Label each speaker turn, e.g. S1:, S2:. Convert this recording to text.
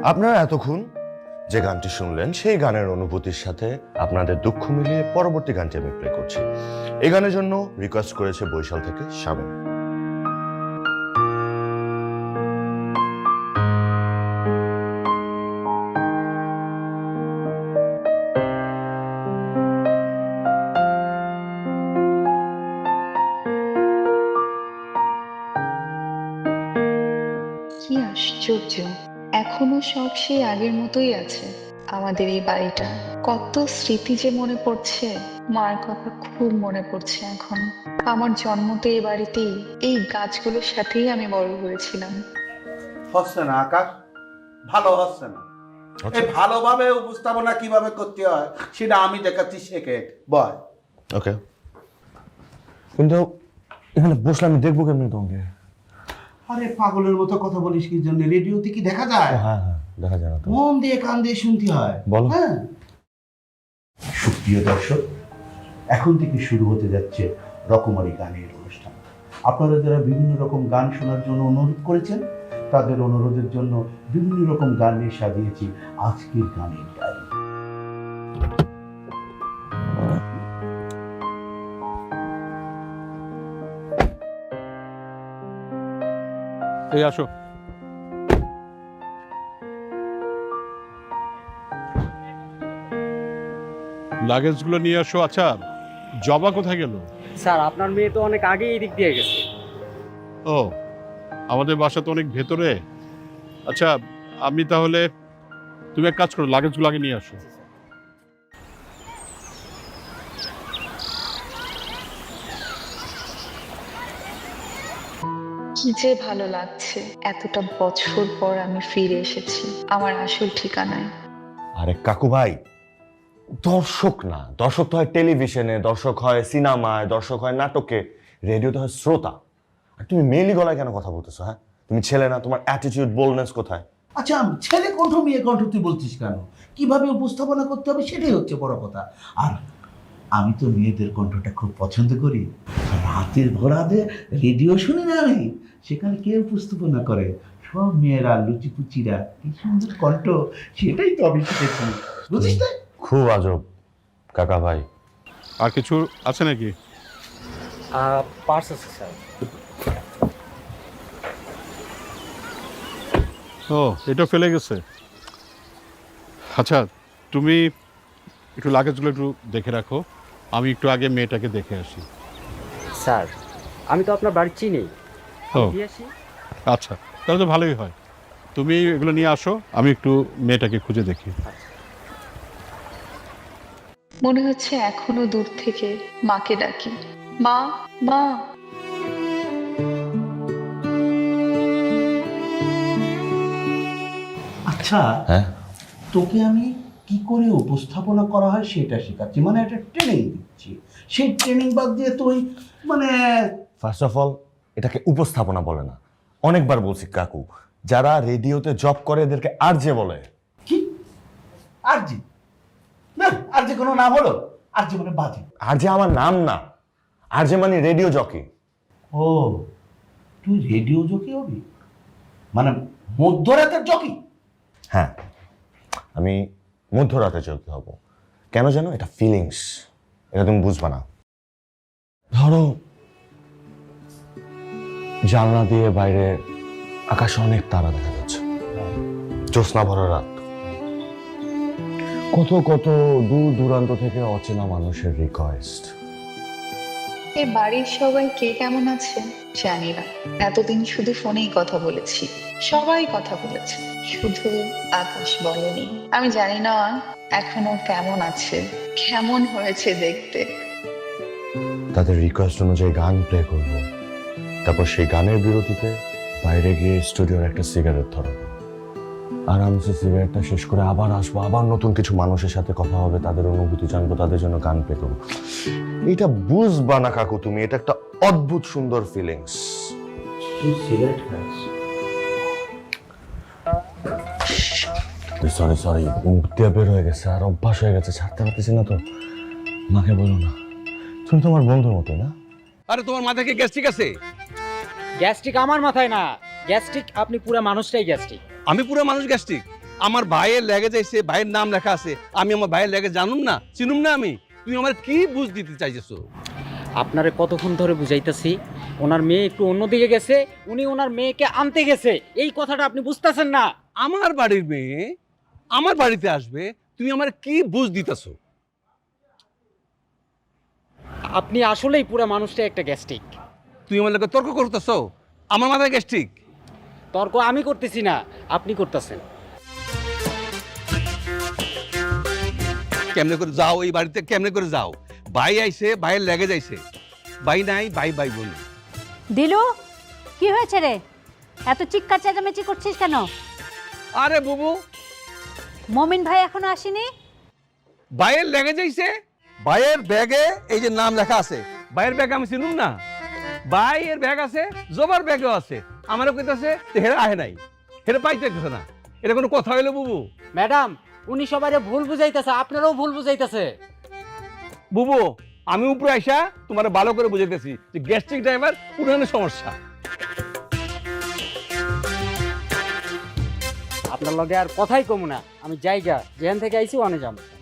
S1: আপনারা এতক্ষণ যে গানটি শুনলেন সেই গানের অনুভূতির সাথে আপনাদের দুঃখ মিলিয়ে পরবর্তী গানটি আমি প্লে করছি। এই গানের জন্য রিকোয়েস্ট করেছে বরিশাল থেকে শামীম।
S2: কি আশ্চর্য, এখনো সব সেই আগের মতোই আছে। আমাদের এই বাড়িটা, কত স্মৃতি যে মনে পড়ছে। মার কথা খুব মনে পড়ছে এখন। আমার জন্ম তো এই বাড়িতেই, এই গাছগুলোর সাথেই আমি বড় হয়েছিলাম।
S3: হচ্ছে না আকাশ, ভালো হচ্ছে না। এই ভালোভাবে উপস্থাপনা কিভাবে করতে হয় সেটা আমি দেখাচ্ছি, শেখে বয়।
S1: ওকে, কিন্তু এখানে বসলে আমি দেখবো কেমনি তোমাকে?
S3: আরে পাগলের মতো কথা বলিস কি জন্য? রেডিওতে কি দেখা যায়?
S1: হ্যাঁ হ্যাঁ, দেখা যায় না তো।
S3: মন দিয়ে কান দিয়ে শুনতে হয়।
S1: বলো।
S3: হ্যাঁ, সুপ্রিয় দর্শক, এখন থেকে শুরু হতে যাচ্ছে রকমারি গানের অনুষ্ঠান। আপনারা যারা বিভিন্ন রকম গান শোনার জন্য অনুরোধ করেছেন, তাদের অনুরোধের জন্য বিভিন্ন রকম গান নিয়ে সাজিয়েছি আজকের গানের ডায়েরি।
S4: এই আসো। লাগেজগুলো নিয়ে আসো। আচ্ছা, জবা কোথায় গেল?
S5: স্যার, আপনার মেয়ে তো অনেক আগেই এই দিক দিয়ে গেছে।
S4: ও, আমাদের বাসা তো অনেক ভেতরে। আচ্ছা, আমি তাহলে, তুমি এক কাজ করো, লাগেজগুলো আগে নিয়ে আসো।
S2: কি যে ভালো লাগছে, এতটা বছর পর আমি ফিরে এসেছি আমার আসল ঠিকানায়।
S1: আরে কাকু ভাই, দর্শক না, দর্শক তো হয় টেলিভিশনে, দর্শক হয় সিনেমায়, দর্শক হয় নাটকে, রেডিওতে হয় শ্রোতা। আর তুমি মেইলি গলায় কেন কথা বলতেছো? হ্যাঁ, তুমি ছেলে না? তোমার অ্যাটিটিউড, বোল্ডনেস কোথায়?
S3: আচ্ছা, ছেলে কণ্ঠ মেয়ে কণ্ঠ তুই বলছিস কেন? কিভাবে উপস্থাপনা করতে হবে সেটাই হচ্ছে বড় কথা। আর আমি তো মেয়েদের কণ্ঠটা খুব পছন্দ করি। রাতের ঘোরাতে রেডিও শুনি না আমি, সেখানে কে উপস্থাপনা করে? সব মেয়েরা, লুচিপুচিরা, কি সুন্দর কণ্ঠ, সেটাই তো আমি শিখেছি, বুঝিস না?
S1: খুব আজব কাকা ভাই।
S4: আর কিছু আছে নাকি?
S5: পার্স আছে স্যার।
S4: ও, এটা ফেলে গেছে। আচ্ছা, তুমি একটু লাগেজগুলো একটু দেখে রাখো, আমি একটু আগে মেয়েটাকে দেখে আসি।
S5: স্যার, আমি তো আপনার বাড়ি চিনি।
S4: ও
S5: দিয়ে আসি।
S4: আচ্ছা, তাহলে তো ভালোই হয়। তুমি এগুলো নিয়ে আসো, আমি একটু মেয়েটাকে খুঁজে দেখি।
S2: মনে হচ্ছে এখনো দূর থেকে মাকে ডাকি, মা, মা।
S3: আচ্ছা,
S1: হ্যাঁ,
S3: তোকে আমি কি করে উপস্থাপনা করা হয় সেটা শেখাচ্ছি, মানে একটা ট্রেনিং দিচ্ছি। সেই ট্রেনিং বাদ দিয়ে তুই মানে
S1: ফার্স্ট অফ অল এটাকে উপস্থাপনা বলে না। অনেকবার বলছি কাকু, যারা রেডিওতে জব করে এদেরকে আরজে বলে।
S3: কি আরজি? না, আরজি কোনো নাম হলো? আরজি মানে বাজে।
S1: আরজে আমার নাম না, আরজে মানে রেডিও জকি।
S3: ও, তুই রেডিও জকি হবি? মানে মধ্যরাতের জকি?
S1: হ্যাঁ, আমি মধ্যরাতে জকি হব। কেন জানো? এটা ফিলিংস, এটা তুমি বুঝবা না। ধরো, জানলা দিয়ে বাইরে আকাশে অনেক তারা দেখা যাচ্ছে, জ্যোৎস্না ভরা রাত, কত কত দূর দূরান্ত থেকে অচেনা মানুষের রিকোয়েস্ট।
S2: এ বাড়ির সবাই কে কেমন আছে জানি না, এতদিন শুধু ফোনেই কথা বলেছি, সবাই কথা বলেছে, শুধু আকাশ বলেনি। আমি জানি না এখনো কেমন আছে, কেমন হয়েছে দেখতে।
S1: তাদের রিকোয়েস্ট অনুযায়ী গান প্লে করব, তারপর সেই গানের বিরতিতে বাইরে গিয়ে স্টুডিওর একটা সিগারেট ধরাবো, আরামসে সিগারেটটা শেষ করে আবার আসবো, আবার নতুন কিছু মানুষের সাথে কথা হবে, তাদের অনুভূতি জানবো, তাদের জন্য গান প্লে করবো। এটা বুঝবা না কাকু তুমি, এটা একটা অদ্ভুত সুন্দর ফিলিংস।
S3: তুই সিগারেট খাস?
S1: সরি সরি, মুখ দিয়ে বের হয়ে গেছে, আর অভ্যাস হয়ে গেছে, ছাড়তে পারতেছি না তো। মাকে বলো না, তুমি তোমার বন্ধুর মতো না?
S6: আরে তোমার মাথায় কি গ্যাস্ট্রিক আছে?
S5: গ্যাস্ট্রিক আমার মাথায় না, গ্যাস্ট্রিক আপনি পুরো মানুষটাই গ্যাস্ট্রিক।
S6: আমি পুরো মানুষ গ্যাস্ট্রিক? আমার ভাইয়ের লেগে যাইছে, ভাইয়ের নাম লেখা আছে, আমি আমার ভাইয়ের লেগে জানুম না, চিনুম না আমি? তুমি আমার কি বুঝ দিতে চাইছো?
S5: আপনারে কতক্ষণ ধরে বুঝাইতেছি ওনার মেয়ে একটু অন্যদিকে গেছে, উনি ওনার মেয়েকে আনতে গেছে, এই কথাটা আপনি বুঝতেছেন না।
S6: আমার বাড়ির মেয়ে আমার বাড়িতে আসবে, তুমি আমার কি বুঝ দিতেছো?
S5: আপনি আসলেই পুরো মানুষটা একটা গ্যাস্ট্রিক।
S6: তুমি আমার লোকে তর্ক করতেছো? আমার মাথায় গ্যাস্ট্রিক?
S5: তর্ক আমি করতেছি না, আপনি করতেছেন।
S6: কেমনে করে যাও এই বাড়িতে, কেমনে করে যাও? ভাই আইছে, ভাইয়ের লেগে যাইছে, ভাই নাই, ভাই ভাই বলি।
S7: দিলু, কি হয়েছে রে? এত চিৎকার চেঁচামেচি করছিস কেন?
S6: আরে বুবু,
S7: মমিন ভাই এখনো আসেনি?
S6: ভাইয়ের লেগে যাইছে, ভাইয়ের ব্যাগে এই যে নাম লেখা আছে, ভাইয়ের ব্যাগ আমি চিনুম না? ভাইয়ের ব্যাগ আছে, জবার ব্যাগও আছে, আমারও কইতাছে হেরা আহে নাই, হেরা পাইতে গেছে না। এটা কোনো কথা হইলো বুবু?
S5: ম্যাডাম, উনি সবাইরে ভুল বুঝাইতেছে, আপনারাও ভুল বুঝাইতেছে।
S6: বুবু, আমি উপরে আইসা তোমার ভালো করে বুঝাইতেছি যে গ্যাস্ট্রিক ড্রাইভার পুরানো সমস্যা।
S5: আপনার লগে আর কথাই কমু না, আমি জায়গা যেখান থেকে আইছি ওখানে যাবো।